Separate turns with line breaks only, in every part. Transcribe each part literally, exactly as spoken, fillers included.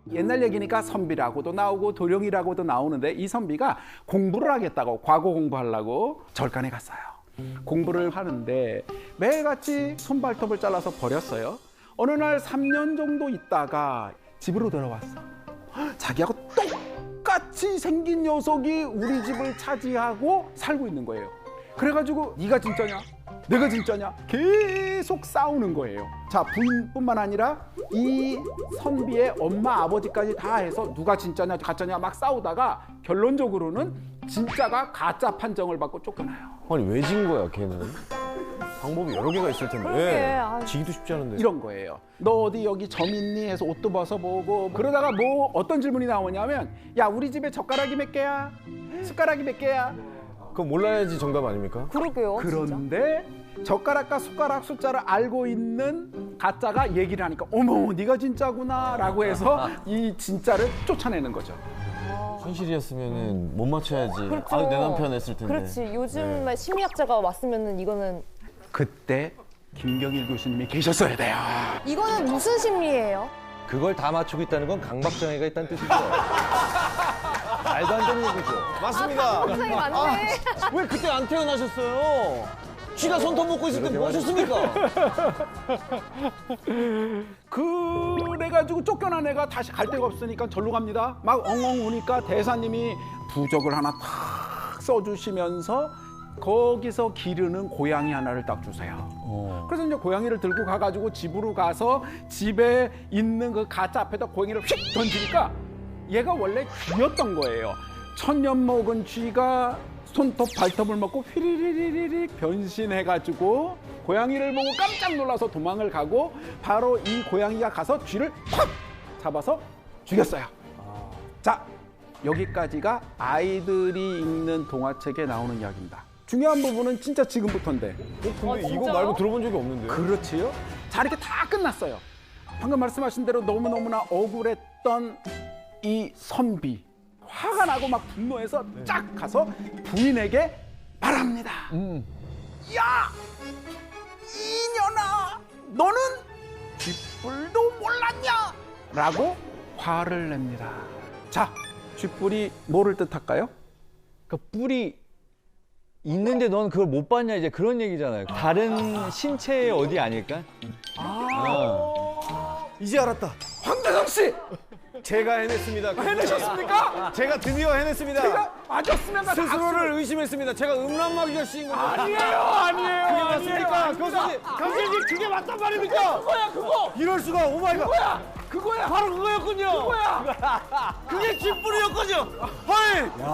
옛날 얘기니까 선비라고도 나오고 도령이라고도 나오는데 이 선비가 공부를 하겠다고 과거 공부하려고 절간에 갔어요. 공부를 하는데 매일같이 손발톱을 잘라서 버렸어요. 어느 날 삼 년 정도 있다가 집으로 돌아왔어. 자기하고 똑같이 생긴 녀석이 우리 집을 차지하고 살고 있는 거예요. 그래가지고 네가 진짜냐? 내가 진짜냐? 계속 싸우는 거예요. 자, 부인뿐만 아니라 이 선비의 엄마, 아버지까지 다 해서 누가 진짜냐, 가짜냐 막 싸우다가 결론적으로는 진짜가 가짜 판정을 받고 쫓겨나요.
아니 왜 진 거야 걔는? 방법이 여러 개가 있을 텐데.
그러게, 아유.
지기도 쉽지 않은데.
이런 거예요. 너 어디 여기 점 있니? 해서 옷도 벗어보고 그러다가 뭐 어떤 질문이 나오냐면 야, 우리 집에 젓가락이 몇 개야? 숟가락이 몇 개야?
그거 몰라야지 정답 아닙니까?
그러게요.
그런데 젓가락과 숟가락 숫자를 알고 있는 가짜가 얘기를 하니까 어머, 네가 진짜구나 라고 해서 이 진짜를 쫓아내는 거죠.
현실이었으면은 못 맞춰야지.
그렇죠.
아, 내 남편 했을 텐데.
그렇지. 요즘에 심리학자가 왔으면은 이거는
그때 김경일 교수님이 계셨어야 돼요.
이거는 무슨 심리예요?
그걸 다 맞추고 있다는 건 강박장애가 있다는 뜻이죠. 말도 안 되는 얘기죠.
맞습니다.
굉장히 많네.
아, 왜 그때 안 태어나셨어요? 쥐가 손톱 먹고 있을 때 뭐 하셨습니까?
그래가지고 쫓겨난 애가 다시 갈 데가 없으니까 절로 갑니다. 막 엉엉 우니까 대사님이 부적을 하나 탁 써주시면서 거기서 기르는 고양이 하나를 딱 주세요.
어.
그래서 이제 고양이를 들고 가가지고 집으로 가서 집에 있는 그 가짜 앞에다 고양이를 휙 던지니까 얘가 원래 쥐였던 거예요. 천년 먹은 쥐가 손톱 발톱을 먹고 휘리리리리 변신해가지고 고양이를 보고 깜짝 놀라서 도망을 가고 바로 이 고양이가 가서 쥐를 확 잡아서 죽였어요. 자, 여기까지가 아이들이 읽는 동화책에 나오는 이야기입니다. 중요한 부분은 진짜 지금부터인데.
어, 근데
아,
이거
진짜요?
말고 들어본 적이 없는데.
그렇지요? 자, 이렇게 다 끝났어요. 방금 말씀하신 대로 너무너무나 억울했던 이 선비. 화가 나고 막 분노해서 쫙 가서 부인에게 말합니다. 야! 이년아! 너는 쥐뿔도 몰랐냐? 라고 화를 냅니다. 자, 쥐뿔이 뭐를 뜻할까요?
그 뿔이 있는데 넌 그걸 못 봤냐 이제 그런 얘기잖아요. 다른 신체의 어디 아닐까?
이제 알았다.
황대성 씨!
제가 해냈습니다.
해내셨습니까?
제가 드디어 해냈습니다.
제가 맞았으면 나
스스로를 의심했습니다. 제가 음란마귀가 씌인 겁니다.
아니에요, 아니에요.
그게 맞습니까? 교수님, 교수님 그게 맞단 말입니까?
그거야, 그거!
이럴 수가, 오마이갓.
그거야! 그거야!
바로 그거였군요.
그거야!
그게 쥐뿔이었군요. 헐.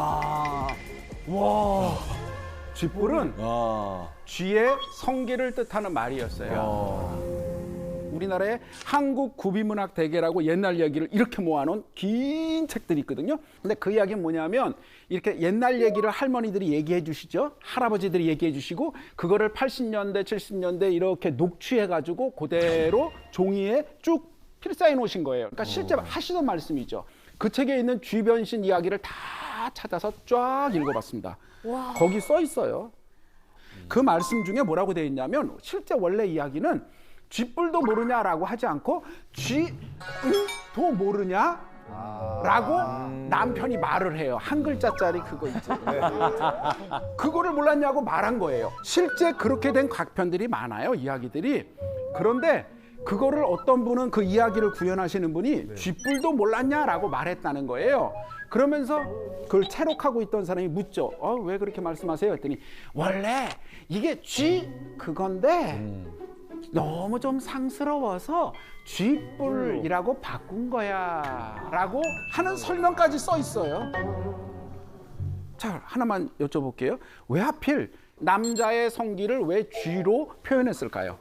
와. 쥐뿔은
아,
쥐의 성기를 뜻하는 말이었어요. 우리나라의 한국 구비문학 대계라고 옛날 이야기를 이렇게 모아놓은 긴 책들이 있거든요. 근데 그 이야기는 뭐냐면 이렇게 옛날 얘기를 할머니들이 얘기해 주시죠. 할아버지들이 얘기해 주시고 그거를 팔십 년대, 칠십 년대 이렇게 녹취해가지고 그대로 종이에 쭉 필사해 놓으신 거예요. 그러니까 실제 하시던 말씀이죠. 그 책에 있는 쥐변신 이야기를 다 찾아서 쫙 읽어봤습니다.
와.
거기 써 있어요. 그 말씀 중에 뭐라고 되어 있냐면 실제 원래 이야기는 쥐뿔도 모르냐라고 하지 않고 쥐도 모르냐? 라고 남편이 말을 해요. 한 글자짜리 그거 있지. 그거를 몰랐냐고 말한 거예요. 실제 그렇게 된 각편들이 많아요. 이야기들이. 그런데 그거를 어떤 분은 그 이야기를 구현하시는 분이 쥐뿔도 몰랐냐라고 말했다는 거예요. 그러면서 그걸 채록하고 있던 사람이 묻죠. 어, 왜 그렇게 말씀하세요? 했더니 원래 이게 쥐 그건데 너무 좀 상스러워서 쥐뿔이라고 바꾼 거야 라고 하는 설명까지 써 있어요. 자, 하나만 여쭤볼게요. 왜 하필 남자의 성기를 왜 쥐로 표현했을까요?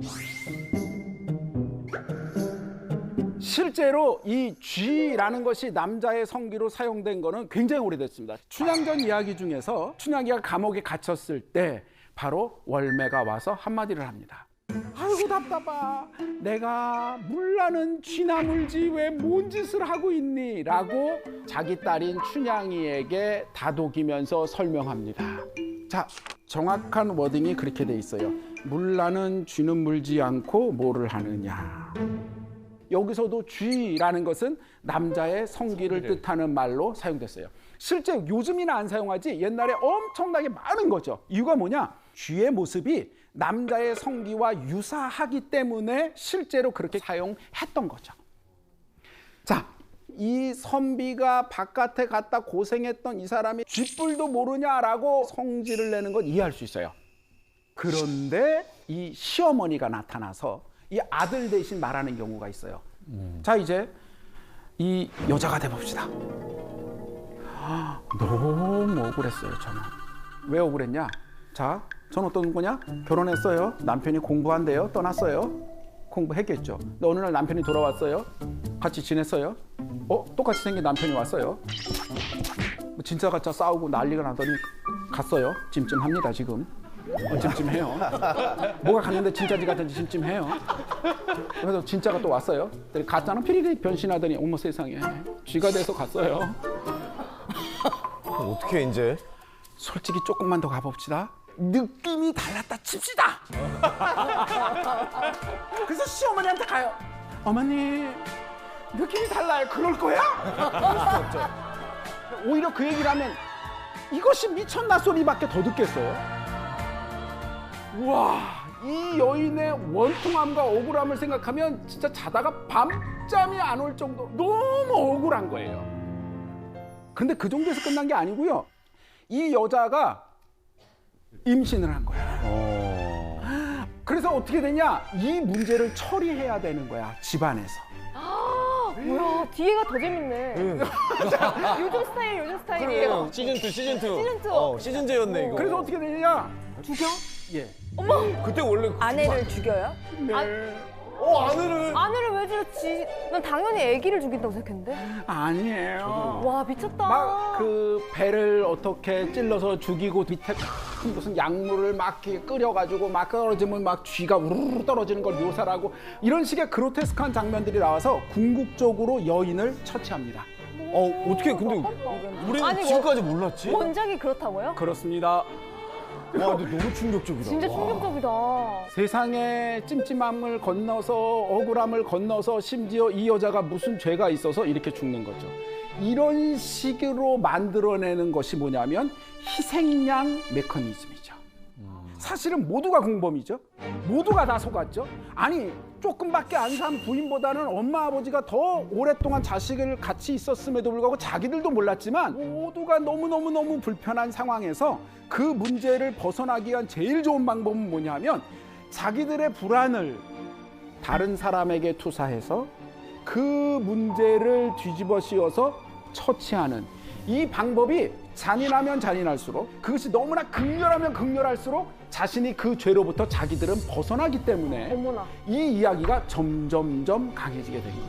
실제로 이 쥐라는 것이 남자의 성기로 사용된 거는 굉장히 오래됐습니다. 춘향전 이야기 중에서 춘향이가 감옥에 갇혔을 때 바로 월매가 와서 한마디를 합니다. 아이고 답답하. 내가 물나는 쥐나 물지 왜 뭔 짓을 하고 있니? 라고 자기 딸인 춘향이에게 다독이면서 설명합니다. 자, 정확한 워딩이 그렇게 돼 있어요. 물나는 쥐는 물지 않고 뭐를 하느냐. 여기서도 쥐라는 것은 남자의 성기를 뜻하는 말로 사용됐어요. 실제 요즘이나 안 사용하지 옛날에 엄청나게 많은 거죠. 이유가 뭐냐? 쥐의 모습이 남자의 성기와 유사하기 때문에 실제로 그렇게 사용했던 거죠. 자, 이 선비가 바깥에 갔다 고생했던 이 사람이 쥐뿔도 모르냐라고 성질을 내는 건 이해할 수 있어요. 그런데 이 시어머니가 나타나서 이 아들 대신 말하는 경우가 있어요. 음. 자, 이제 이 여자가 돼봅시다. 너무 억울했어요, 저는. 왜 억울했냐? 자, 전 어떤 거냐? 결혼했어요. 남편이 공부한대요. 떠났어요. 공부했겠죠. 근데 어느 날 남편이 돌아왔어요. 같이 지냈어요. 어? 똑같이 생긴 남편이 왔어요. 진짜 가짜 싸우고 난리가 나더니 갔어요. 찜찜합니다, 지금. 어, 찜찜해요. 뭐가 갔는데 진짜지 같은지 찜찜해요. 그래서 진짜가 또 왔어요. 가짜는 피리릭 변신하더니 어머 세상에 쥐가 돼서 갔어요.
어떻게 이제?
솔직히 조금만 더 가봅시다. 느낌이 달랐다 칩시다. 그래서 시어머니한테 가요. 어머니 느낌이 달라요. 그럴 거야? 오히려 그 얘기를 하면 이것이 미쳤나 소리밖에 더 듣겠어요. 우와, 이 여인의 원통함과 억울함을 생각하면 진짜 자다가 밤잠이 안 올 정도 너무 억울한 거예요. 근데 그 정도에서 끝난 게 아니고요. 이 여자가 임신을 한 거야. 어... 그래서 어떻게 되냐? 이 문제를 처리해야 되는 거야, 집안에서.
아, 뭐야, 뒤에가 더 재밌네.
응.
요즘 스타일, 요즘 스타일이에요.
시즌 투, 시즌 투.
시즌 투.
어, 시즌제였네, 이거.
그래서 어떻게 되느냐?
죽여?
예.
어머!
그때 원래.
아내를 죽여요?
네.
아,
어, 아내를.
아내를 왜 죽였지? 난 당연히 아기를 죽인다고 생각했는데.
아니에요.
와, 미쳤다.
막 그 배를 어떻게 찔러서 죽이고 밑에 큰 무슨 약물을 막 이렇게 끓여가지고 막 떨어지면 막 쥐가 우르르 떨어지는 걸 묘사를 하고 이런 식의 그로테스크한 장면들이 나와서 궁극적으로 여인을 처치합니다.
어, 어떻게, 근데 우리는
아니,
지금까지 몰랐지?
원작이 그렇다고요?
그렇습니다.
와, 근데 너무 충격적이다.
진짜
와.
충격적이다.
세상의 찜찜함을 건너서 억울함을 건너서 심지어 이 여자가 무슨 죄가 있어서 이렇게 죽는 거죠. 이런 식으로 만들어내는 것이 뭐냐면 희생양 메커니즘이죠. 사실은 모두가 공범이죠. 모두가 다 속았죠. 아니 조금밖에 안 산 부인보다는 엄마 아버지가 더 오랫동안 자식을 같이 있었음에도 불구하고 자기들도 몰랐지만 모두가 너무너무너무 불편한 상황에서 그 문제를 벗어나기 위한 제일 좋은 방법은 뭐냐면 자기들의 불안을 다른 사람에게 투사해서 그 문제를 뒤집어 씌워서 처치하는 이 방법이 잔인하면 잔인할수록 그것이 너무나 극렬하면 극렬할수록 자신이 그 죄로부터 자기들은 벗어나기 때문에
어머나.
이 이야기가 점점점 강해지게 된 거예요.